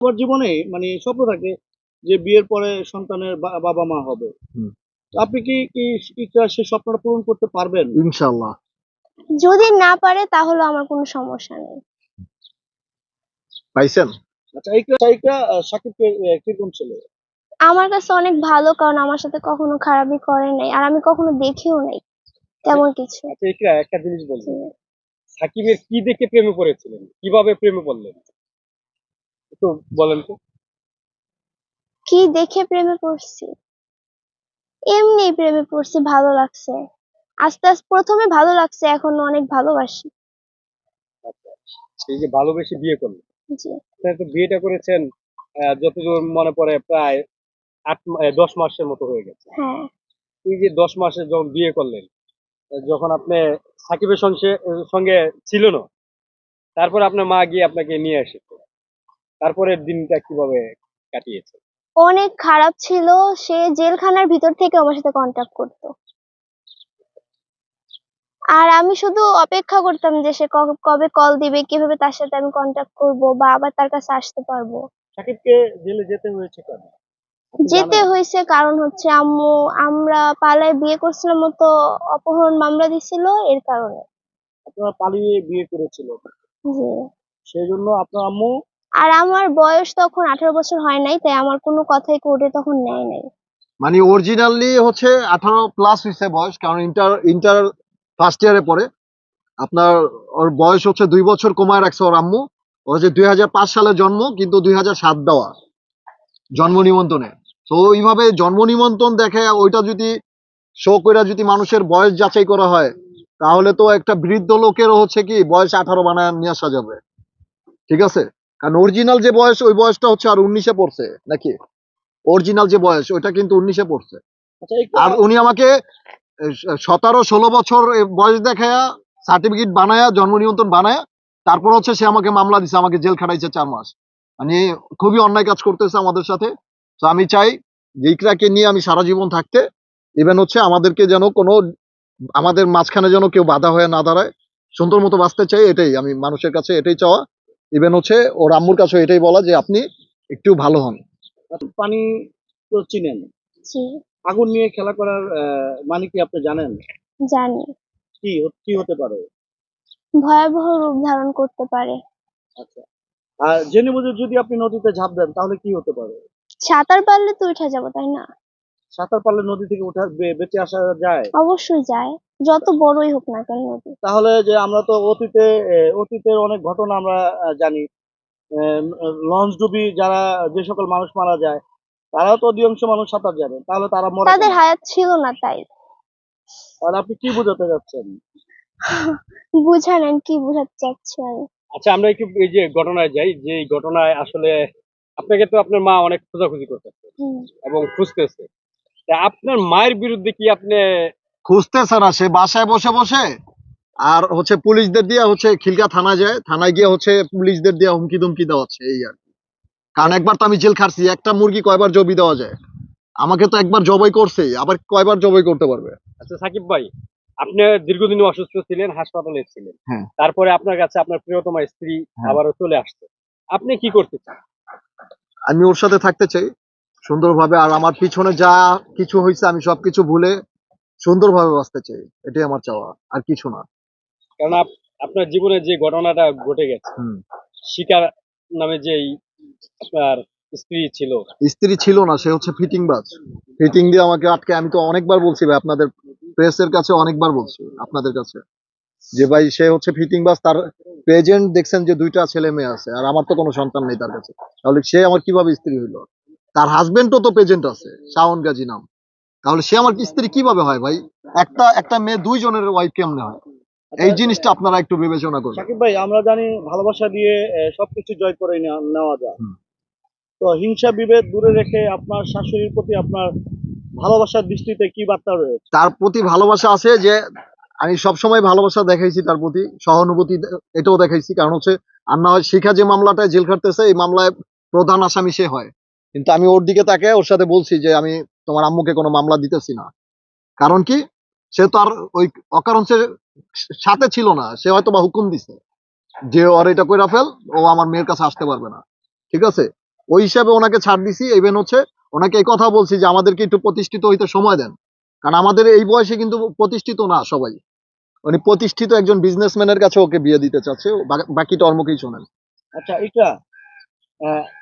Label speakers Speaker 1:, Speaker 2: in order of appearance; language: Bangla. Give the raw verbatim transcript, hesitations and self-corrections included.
Speaker 1: সবার জীবনে মানে স্বপ্ন থাকে যে বিয়ের পরে সন্তানের বা বাবা মা হবে।
Speaker 2: হুম।
Speaker 1: তো আপনি কি কি ইচ্ছা সেই স্বপ্নটা পূরণ করতে পারবেন?
Speaker 2: ইনশাআল্লাহ।
Speaker 3: যদি না পারে তাহলে আমার কোনো সমস্যা নেই।
Speaker 2: পাইছেন?
Speaker 1: আচ্ছা এইটা এইটা আ সাকিবকে এ কিরকম ছেলে?
Speaker 3: আমার কাছে অনেক ভালো, কারণ আমার সাথে কখনো খারাপই করে নাই। আর আমি কখনো দেখিও নাই তেমন কিছু।
Speaker 4: আচ্ছা ইকরা একটা জিনিস
Speaker 3: জি।
Speaker 4: বলবেন। সাকিবের কি দেখে প্রেমে পড়েছিলেন? কিভাবে প্রেমে পড়লেন? একটু বলেন তো।
Speaker 3: কি দেখে প্রেমে পড়ছি? এমনি প্রেমে পড়ছি, ভালো লাগছে। আস্তে, আস্তে প্রথম এ ভালো লাগছে, এখন অনেক ভালোবাসি।
Speaker 4: আচ্ছা। এই যে ভালোবেসে বিয়ে করলেন।
Speaker 3: জি।
Speaker 4: আপনারা তো বিয়েটা করেছেন আ যতদূর মনে পড়ে প্রায় আট মা এ দশ মাসের মতো হয়ে গেছে।
Speaker 3: হ্যাঁ।
Speaker 4: এই যে দশ মাসে যখন বিয়ে করলেন, আ যখন আপনি সাকিবের সংসে সঙ্গে ছিল না, তারপরে আপনার মা গিয়ে আপনাকে নিয়ে এসেছে। তারপরের দিনটা কিভাবে কাটিয়েছেন?
Speaker 3: অনেক খারাপ ছিল। সে জেলখানার ভিতর থেকে আমার সাথে কনট্যাক্ট করত। আর আমি শুধু অপেক্ষা করতাম যে সে ক কবে কল দিবে, কিভাবে তার সাথে আমি কনট্যাক্ট করব বা আবার তার কাছে আসতে পারবো।
Speaker 1: সাকিবকে জেলে যেতে হয়েছে কেন? আপনি
Speaker 3: যেতে
Speaker 1: জানেন?
Speaker 3: হইছে কারণ হচ্ছে আম্মু, আমরা পালায় বিয়ে করছিলাম তো অপহরণ মামলা দিছিল এর কারণে।
Speaker 1: আপনারা পালিয়ে বিয়ে করেছিলেন।
Speaker 3: জি।
Speaker 1: সেজন্য আপনার আম্মু
Speaker 3: আর আমার বয়স তখন আঠারো বছর হয় নাই, তাই আমার কোনো কথাই কোর্টে তখন নেয় নাই।
Speaker 2: মানে অরিজিনালি হচ্ছে আঠারো প্লাস হইছে বয়স, কারণ ইন্টার ইন্টার ফার্স্ট ইয়ারে পড়ে। আপনার ওর বয়স হচ্ছে দুই বছর কমায় রাখছে ওর আম্মু। ও হচ্ছে দুই হাজার পাঁচ সালে জন্ম, কিন্তু দুই হাজার সাত দেওয়া জন্ম নিবন্ধনে। তো ওইভাবে জন্ম নিবন্ধন দেখে ওইটা যদি শো কইরা যদি মানুষের বয়স যাচাই করা হয়, তাহলে তো একটা বৃদ্ধ লোকেরও হচ্ছে কি বয়স আঠারো বানায় নিয়ে আসা যাবে। ঠিক আছে? কারণ অরিজিনাল যে বয়স ওই বয়সটা হচ্ছে আর উনিশে পড়ছে নাকি? অরিজিনাল যে বয়স ওইটা কিন্তু উনিশে পড়ছে।
Speaker 1: আচ্ছা এইটা
Speaker 2: আর উনি আমাকে সতেরো ষোলো বছর এ বয়স দেখায়া সার্টিফিকেট বানায়া জন্ম নিবন্ধন বানায়া তারপর হচ্ছে সে আমাকে মামলা দিছে, আমাকে জেল খাটাইছে চার মাস। মানে খুবই অন্যায় কাজ করতেছে আমাদের সাথে। তো আমি চাই যে ইকরাকে নিয়ে আমি সারা জীবন থাকতে, ইভেন হচ্ছে আমাদেরকে যেন কোনো আমাদের মাঝখানে যেন কেউ বাধা হয়ে না দাঁড়ায়, সুন্দর মতো বাঁচতে চাই, এটাই আমি মানুষের কাছে এটাই চাওয়া। ইভেন হচ্ছে ওর আম্মুর কাছে এটাই বলা যে আপনি একটু ভালো হন।
Speaker 1: পানি তো চিনেন।
Speaker 3: জি।
Speaker 1: আগুন নিয়ে খেলা করার আ মানে কি আপনি জানেন?
Speaker 3: জানি।
Speaker 1: কি হ কি হতে পারে?
Speaker 3: ভয়াবহ রূপ ধারণ করতে পারে।
Speaker 1: আচ্ছা। আর জেনে বুঝে যদি আপনি নদীতে ঝাঁপ দেন তাহলে কি হতে পারে?
Speaker 3: সাঁতার পারলে তো উঠে যাব, তাই না?
Speaker 1: সাঁতার পারলে নদী থেকে ওঠা বে বেঁচে আসা যায়?
Speaker 3: অবশ্যই যায়। যত বড়ই হোক না কেন নদী।
Speaker 1: তাহলে যে আমরা তো অতীতে এ অতীতের অনেক ঘটনা আমরা আ জানি। এম লঞ্চডুবি যারা যে সকল মানুষ মারা যায়, তারাও তো অধিকাংশ মানুষ সাঁতার জানে। তাহলে তারা মরে
Speaker 3: তাদের
Speaker 1: কেন?
Speaker 3: হায়াত ছিল না তাই।
Speaker 1: তাহলে আপনি কি বোঝাতে চাচ্ছেন?
Speaker 3: বুঝা নেন কি বুঝাতে চাচ্ছি আমি।
Speaker 4: আচ্ছা আমরা একটু এই যে ঘটনায় যাই, যে এই ঘটনায় আসলে আপনাকে তো আপনার মা অনেক খোঁজাখুঁজি করতেছে
Speaker 3: হুম।
Speaker 4: এবং খুঁজতেছে। তা আপনার মায়ের বিরুদ্ধে কি আপনি
Speaker 2: খুঁজতেছে না, সে বাসায় বসে বসে আর হচ্ছে পুলিশদের দিয়ে হচ্ছে খিলগা থানায় যায়, থানায় গিয়ে হচ্ছে পুলিশদের দিয়ে হুমকি দুমকি দেওয়া হচ্ছে এই আর কি। কারণ একবার তো আমি জেল খাটছি, একটা মুরগি কয়বার জবি দেওয়া যায়? আমাকে তো একবার জবাই করছে, আবার কয়বার জবাই করতে পারবে?
Speaker 4: আচ্ছা সাকিব ভাই, আপনি দীর্ঘদিন অসুস্থ ছিলেন, হাসপাতালে ছিলেন।
Speaker 2: হ্যাঁ,
Speaker 4: তারপরে আপনার কাছে আপনার প্রিয়তমা স্ত্রী
Speaker 2: হ্যাঁ।
Speaker 4: আবারও চলে আসছে। আপনি কি করতে চান?
Speaker 2: আমি ওর সাথে থাকতে চাই সুন্দরভাবে, আর আমার পিছনে যা কিছু হয়েছে আমি সবকিছু ভুলে সুন্দরভাবে বাঁচতে চাই, এটাই আমার চাওয়া, আর কিছু না।
Speaker 4: কারণ আপ- আপনার জীবনে যে ঘটনাটা ঘটে গেছে,
Speaker 2: হুম।
Speaker 4: শিকার নামে যেই আপনার স্ত্রী ছিল,
Speaker 2: স্ত্রী ছিল না, সে হচ্ছে ফিটিং বাজ। ফিটিং দিয়ে আমাকে আটকে, আমি তো অনেকবার বলছি ভাই আপনাদের প্রেসের কাছে, অনেকবার বলছি আপনাদের কাছে যে ভাই সে হচ্ছে ফিটিং বাজ। তার প্রেজেন্ট দেখছেন যে দুইটা ছেলে মেয়ে আছে, আর আমার তো কোনো সন্তান নেই তার কাছে। তাহলে সে আমার কিভাবে স্ত্রী হইলো? তার হাজবেন্ডও তো প্রেজেন্ট আছে, শাওন গাজী নাম। তাহলে সে আমার স্ত্রী কিভাবে হয় ভাই? একটা একটা মেয়ে দুইজনের ওয়াইফ কেমনে হয়? এই জিনিসটা আপনারা একটু বিবেচনা করবেন।
Speaker 1: সাকিব ভাই আমরা জানি ভালোবাসা দিয়ে এ সবকিছু জয় করে নেওয়া নেওয়া যায়।
Speaker 2: হুম।
Speaker 1: তো হিংসা বিভেদ দূরে রেখে আপনার শাশুড়ির প্রতি আপনার ভালোবাসার দৃষ্টিতে কি বার্তা রয়েছে?
Speaker 2: তার প্রতি ভালোবাসা আছে যে আমি সবসময় ভালোবাসা দেখাইছি তার প্রতি, সহানুভূতি দে- এটাও দেখাইছি। কারণ হচ্ছে আর না হয় শিখা যে মামলাটায় জেল খাটতেছে, এই মামলায় প্রধান আসামি সে হয়, কিন্তু আমি ওর দিকে তাকে ওর সাথে বলছি যে আমি তোমার আম্মুকে কোনো মামলা দিতেছি না। কারণ কি, সে তো আর ওই অকারণ সে সাথে ছিল না, সে হয়তো বা হুকুম দিছে যে ওর এটা কইরা ফেল, ও আমার মেয়ের কাছে আসতে পারবে না। ঠিক আছে? ওই হিসাবে ওনাকে ছাড় দিছি। ইভেন হচ্ছে ওনাকে এই কথা বলছি যে আমাদেরকে একটু প্রতিষ্ঠিত হইতে সময় দেন, কারণ আমাদের এই বয়সে কিন্তু প্রতিষ্ঠিত না সবাই। উনি প্রতিষ্ঠিত একজন বিজনেসম্যানের কাছে ওকে বিয়ে দিতে চাচ্ছে, বা- বাকিটা ওর মুখেই শোনেন।
Speaker 1: আচ্ছা এটা আহ,